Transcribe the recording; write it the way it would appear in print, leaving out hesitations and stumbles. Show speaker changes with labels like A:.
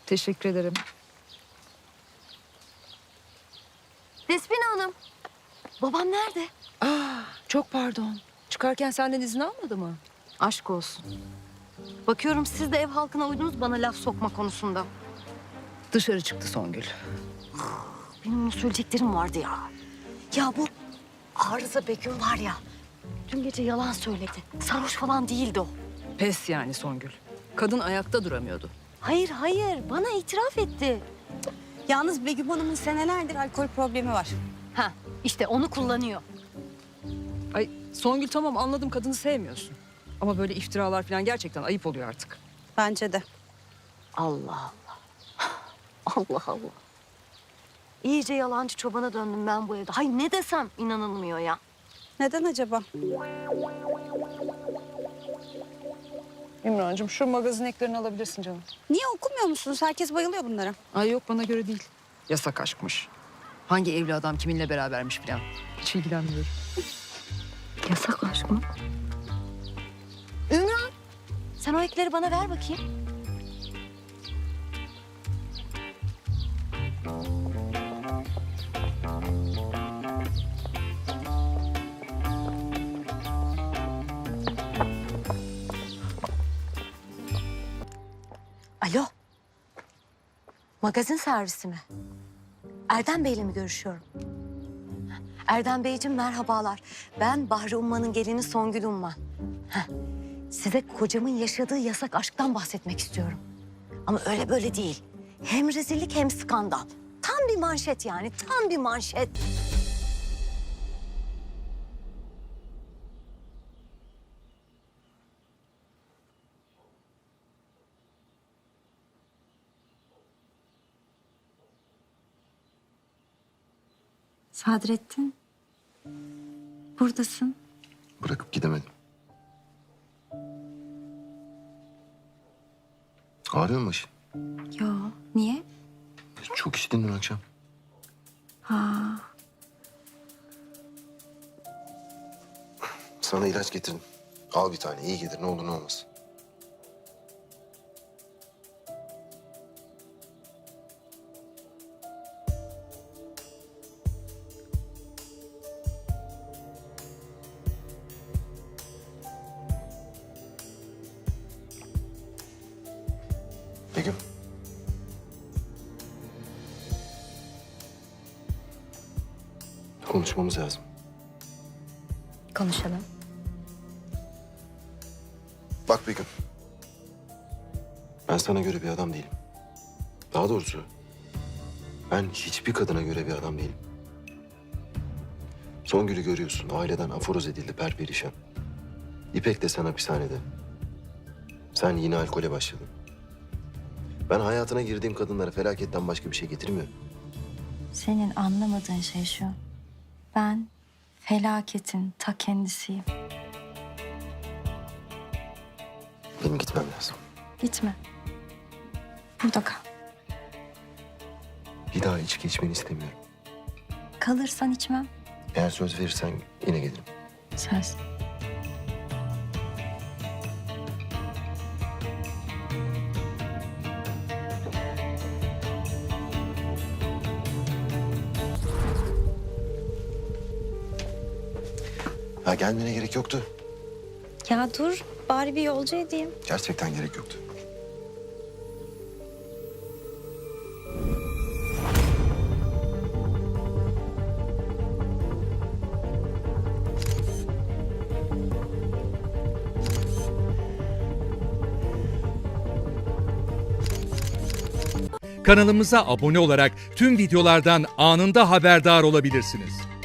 A: Teşekkür ederim.
B: Despina Hanım. Babam nerede?
A: Çok pardon. Çıkarken senden izin almadı mı?
B: Aşk olsun. Bakıyorum siz de ev halkına uydunuz bana laf sokma konusunda.
A: Dışarı çıktı Songül.
B: Benim onu söyleyeceklerim vardı ya. Ya bu Arıza Begüm var ya. Dün gece yalan söyledi. Sarhoş falan değildi o.
A: Pes yani Songül. Kadın ayakta duramıyordu.
B: Hayır bana itiraf etti.
C: Yalnız Begüm Hanım'ın senelerdir alkol problemi var.
B: Ha işte onu kullanıyor.
A: Ay Songül tamam anladım kadını sevmiyorsun. Ama böyle iftiralar falan gerçekten ayıp oluyor artık.
C: Bence de.
B: Allah Allah. Allah Allah. İyice yalancı çobana döndüm ben bu evde. Hay ne desem inanılmıyor ya.
C: Neden acaba?
A: İmrancığım şu magazin eklerini alabilirsin canım.
C: Niye okumuyor musunuz? Herkes bayılıyor bunlara.
A: Ay yok bana göre değil. Yasak aşkmış. Hangi evli adam kiminle berabermiş falan. Hiç ilgilenmiyorum.
B: Yasak aşk mı? Ümran sen o ekleri bana ver bakayım. Alo. Magazin servisi mi? Erdem Bey'le mi görüşüyorum? Erdem Beyciğim merhabalar. Ben Bahri Umman'ın gelini Songül Umman. Size kocamın yaşadığı yasak aşktan bahsetmek istiyorum. Ama öyle böyle değil. Hem rezillik hem skandal. Tam bir manşet yani, tam bir manşet.
D: Sadrettin, buradasın.
E: Bırakıp gidemedim. Ağrıyor mu başın?
D: Yo, niye?
E: Çok içtin dün akşam.
D: Ha,
E: Sana ilaç getirdim. Al bir tane iyi gelir ne olur ne olmaz. Begüm. Konuşmamız lazım.
D: konuşalım.
E: Bak Begüm. Ben sana göre bir adam değilim. Daha doğrusu ben hiçbir kadına göre bir adam değilim. Songül'ü görüyorsun. Aileden aforoz edildi perperişan. İpek de sen hapishanede. Sen yine alkole başladın. Ben hayatına girdiğim kadınlara felaketten başka bir şey getirmiyorum.
D: Senin anlamadığın şey şu. Ben felaketin ta kendisiyim.
E: Benim gitmem lazım.
D: Gitme. Burada kal.
E: Bir daha içki içmeni istemiyorum.
D: Kalırsan içmem.
E: Eğer söz verirsen yine gelirim.
D: Söz.
E: Ha gelmene gerek yoktu.
D: Ya dur, bari bir yolcu edeyim.
E: Gerçekten gerek yoktu.
F: Kanalımıza abone olarak tüm videolardan anında haberdar olabilirsiniz.